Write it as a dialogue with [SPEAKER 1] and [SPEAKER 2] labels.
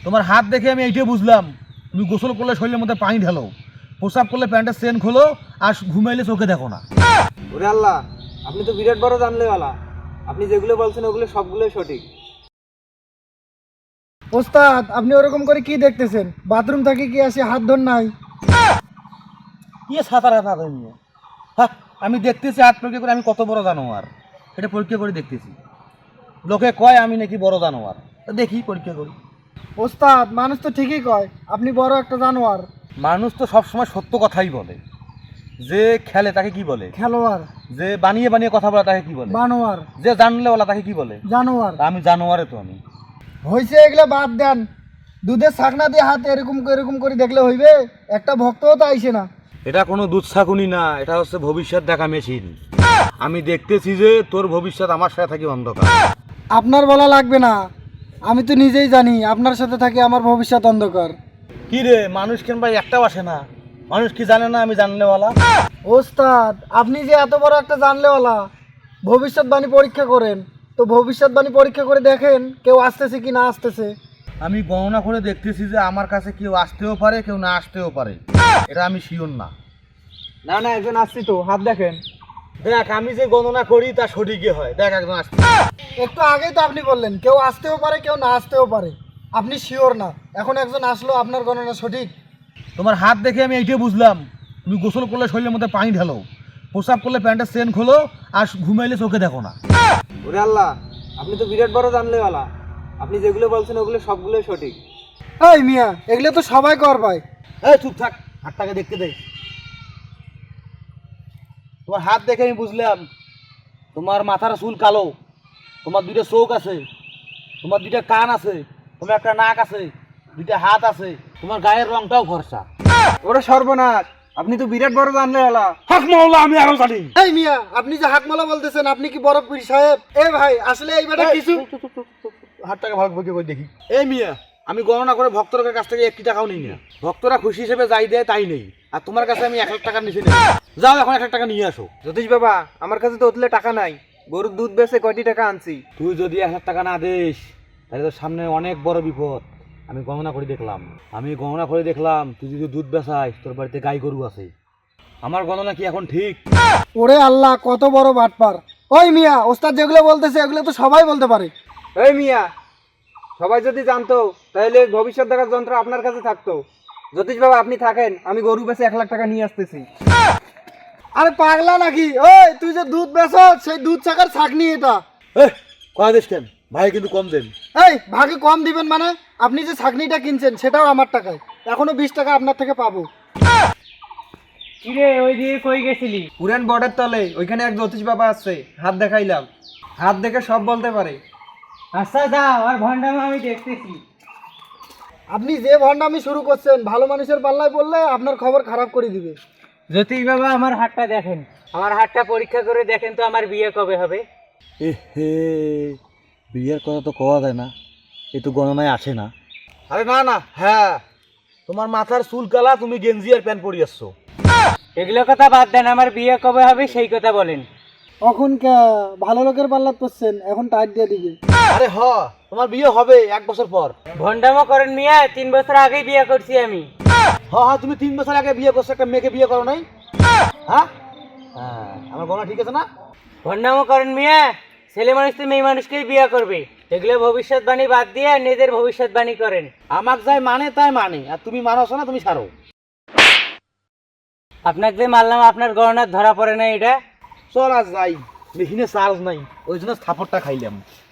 [SPEAKER 1] তোমার হাত দেখে আমি এইটাই বুঝলাম তুমি গোসল করলে শরীরের মধ্যে পানি ঢালো, প্রসাব করলে প্যান্টের চেন খোলো, আর ঘুমাইলে চোখে দেখো না।
[SPEAKER 2] ওরে আল্লাহ, আপনি তো বিরাট বড় জানলেওয়ালা। আপনি যেগুলো বলছেন ওগুলো সবগুলোই সঠিক।
[SPEAKER 3] ওস্তাদ, আপনি ওরকম করে কি দেখতেছেন? বাথরুম থেকে কি আসে হাত ধর নাই?
[SPEAKER 1] কি সাঁতার হাত নিয়ে? হ্যাঁ, আমি দেখতেছি হাত পরীক্ষা করে আমি কত বড় জানোয়ার, এটা পরীক্ষা করে দেখতেছি। লোকে কয় আমি নাকি বড় জানোয়ার, তা দেখি পরীক্ষা করি।
[SPEAKER 3] ওস্তাদ, মানুষ তো ঠিকই কয় আপনি বড় একটা জানোয়ার।
[SPEAKER 1] মানুষ তো সবসময় সত্য কথাই বলে। যে খেলে তাকে কি বলে?
[SPEAKER 3] খেলোয়াড়।
[SPEAKER 1] যে বানিয়ে বানিয়ে কথা বলে তাকে কি বলে?
[SPEAKER 3] বানোয়ার।
[SPEAKER 1] যে জানলেওয়ালা তাকে কি বলে?
[SPEAKER 3] জানোয়ার।
[SPEAKER 1] তা আমি জানোয়ারে তো আমি।
[SPEAKER 3] হয়েছে, এগুলো বাদ দেন। দুধের ছাকনা দিয়ে হাত এরকম করে দেখলে হইবে? একটা ভক্তও তো আইসে না।
[SPEAKER 1] এটা কোনো দুধ ছাকুনি না, এটা হচ্ছে ভবিষ্যৎ দেখা মেশিন। আমি দেখতেছি যে তোর ভবিষ্যৎ আমার সাথে থাকি অন্ধকার।
[SPEAKER 3] আপনার বলা লাগবে না, আমি তো নিজেই জানি আপনার সাথে থাকে আমার ভবিষ্যৎ অন্ধকার।
[SPEAKER 1] কি রে, মানুষ কেন ভাই একটাও আসে না? মানুষ কি জানে না আমি জানলেওয়ালা?
[SPEAKER 3] ওস্তাদ, আপনি যে এত বড় একটা জানলেওয়ালা, ভবিষ্যৎবাণী পরীক্ষা করেন, তো ভবিষ্যৎবাণী পরীক্ষা করে দেখেন কেউ আসতেছে কি না আসতেছে।
[SPEAKER 1] আমি গণনা করে দেখতেছি যে আমার কাছে কেউ আসতেও পারে, কেউ না আসতেও পারে, এটা আমি শিওর না।
[SPEAKER 2] না না, একজন আসছি তো, হাত দেখেন।
[SPEAKER 1] দেখ, আমি যে গণনা করি তা সঠিকই হয়। দেখ, একজন আসছে।
[SPEAKER 3] একটু আগেই তো আপনি বললেন কেউ আসতেও পারে কেউ না আসতেও পারে, আপনি শিওর না। এখন একজন আসলো, আপনার গণনা সঠিক।
[SPEAKER 1] তোমার হাত দেখে আমি এইটাই বুঝলাম তুমি গোসল করলে শরীরের মধ্যে পানি ঢালো, প্রসাব করলে প্যান্টের চেন খোলো, আর ঘুমাইলে চোখে দেখো না।
[SPEAKER 2] ওরে আল্লাহ, আপনি তো বিরাট বড় জানলেওয়ালা। আপনি যেগুলো বলছেন ওগুলো সবগুলোই সঠিক।
[SPEAKER 3] এই মিয়া, এগুলো তো সবাই কর ভাই।
[SPEAKER 1] এই চুপ থাক, হাতটাকে দেখতে দে। তোমার হাত দেখে আমি বুঝলাম তোমার মাথার চুল কালো, তোমার দুইটা চোখ আছে, তোমার দুইটা কান আছে, তোমার একটা নাক আছে, দুইটা হাত আছে, তোমার গায়ের রংটাও ফর্সা।
[SPEAKER 2] ওরে সর্বনাশ, আপনি তো বিরাট বড় জানলেওয়ালা।
[SPEAKER 1] হক মহল্লা আমি আরো জানি।
[SPEAKER 3] এই মিয়া, আপনি যে হাকমালা বলতেছেন, আপনি কি বড় পীর সাহেব? এ ভাই, আসলে এই বেটা কিছু।
[SPEAKER 1] হাতটাকে ভাগ ভাগে করে দেখি। এই মিয়া, আমি গণনা করে ভক্তদের কাছ থেকে 1 টাকাও নিই না। ভক্তরা খুশি হিসেবে যাই দেয় তাই নেই। আর তোমার কাছে আমি 1 লাখ টাকার নিচে নেই। যাও এখন 1 লাখ টাকা নিয়ে আসো।
[SPEAKER 2] জ্যোতিষ বাবা, আমার কাছে তো ওতলে টাকা নাই। গরুর দুধ বেচে কয়টি টাকা আনছি।
[SPEAKER 1] তুই যদি 1 লাখ টাকা না দিস তাহলে তোর সামনে অনেক বড় বিপদ। আমি গণনা করে দেখলাম তুই যদি দুধ বেচাইস তোর বাড়িতে গাই গরু আছে। আমার গণনা কি এখন ঠিক?
[SPEAKER 3] ওরে আল্লাহ, কত বড় বাটপার! ওই মিয়া, ওস্তাদ যেগুলো বলতেছে এগুলো তো সবাই বলতে পারে।
[SPEAKER 2] এই মিয়া, সবাই যদি জানতো তাহলে ভবিষ্যৎ দেখার যন্ত্র আপনার কাছে থাকতো। জ্যোতিষ বাবা, আপনি থাকেন, আমি গরু বেচে 1 লাখ টাকা নিয়ে আসতেছি।
[SPEAKER 3] আরে পাগলা নাকি? ওই তুই যে দুধ বেচো, সেই দুধ ছাকার ছাকনি এটা।
[SPEAKER 1] কয় দিস কেন ভাই, কিন্তু কম দেন।
[SPEAKER 3] এই ভাগে কম দিবেন মানে? আপনি যে ছাকনিটা কিনছেন সেটাও আমার টাকায়, এখনো 20 টাকা আপনার থেকে পাবো।
[SPEAKER 2] কিরে, ওই দিকে কই গেছিলি? পুরান বর্ডার তলে, ওইখানে এক জ্যোতিষ বাবা আছে, হাত দেখাইলাম। হাত দেখে সব বলতে পারে।
[SPEAKER 3] আচ্ছা যাও, আর ভন্ডামি আমি দেখতেছি। আপনি যে ভন্ডামি শুরু করছেন, ভালো মানুষের পাল্লায় পড়লে আপনার খবর খারাপ করে দিবে।
[SPEAKER 2] জ্যোতিষ বাবা, আমার হাতটা দেখেন, আমার হাতটা পরীক্ষা করে দেখেন তো আমার বিয়ে কবে হবে।
[SPEAKER 1] হে, বিয়ের কথা তো কওয়া যায় না, এ তো গণনায় আসে না। আরে না না, হ্যাঁ, তোমার মাথার চুল কালা, তুমি গেঞ্জি আর প্যান্ট পরে আসছো।
[SPEAKER 2] এগুলো কথা বাদ দেন, আমার বিয়ে কবে হবে সেই কথা বলেন।
[SPEAKER 3] এখন ভালো লোকের পাল্লা করছেন, এখন টাইট দিয়ে দিবে।
[SPEAKER 1] আরে তোমার বিয়ে হবে 1 বছর পর।
[SPEAKER 2] ভন্ডামো করেন মিয়া, 3 বছর আগেই বিয়ে করছি আমি।
[SPEAKER 1] তুমি 3 বছর আগে বিয়ে করছো, একটা মেয়েকে বিয়ে করো নাই? হ্যাঁ, আমার গণনা ঠিক আছে না?
[SPEAKER 2] ভন্ডামো করেন মিয়া, ছেলে মানুষ তো মেয়ে মানুষকেই বিয়ে করবে। এগুলো ভবিষ্যৎবাণী বাদ দিয়ে নিজের ভবিষ্যৎবাণী করেন।
[SPEAKER 1] আমার যাই মানে তাই মানে, আর তুমি মানোছো না, তুমি ছাড়ো।
[SPEAKER 2] আপনাকে যে মারলাম আপনার গণনা ধরা পড়ে না এটা?
[SPEAKER 1] চল আজ যাই, মেশিনে চার্জ নাই, ওই জন্য থাপড়টা খাইলাম।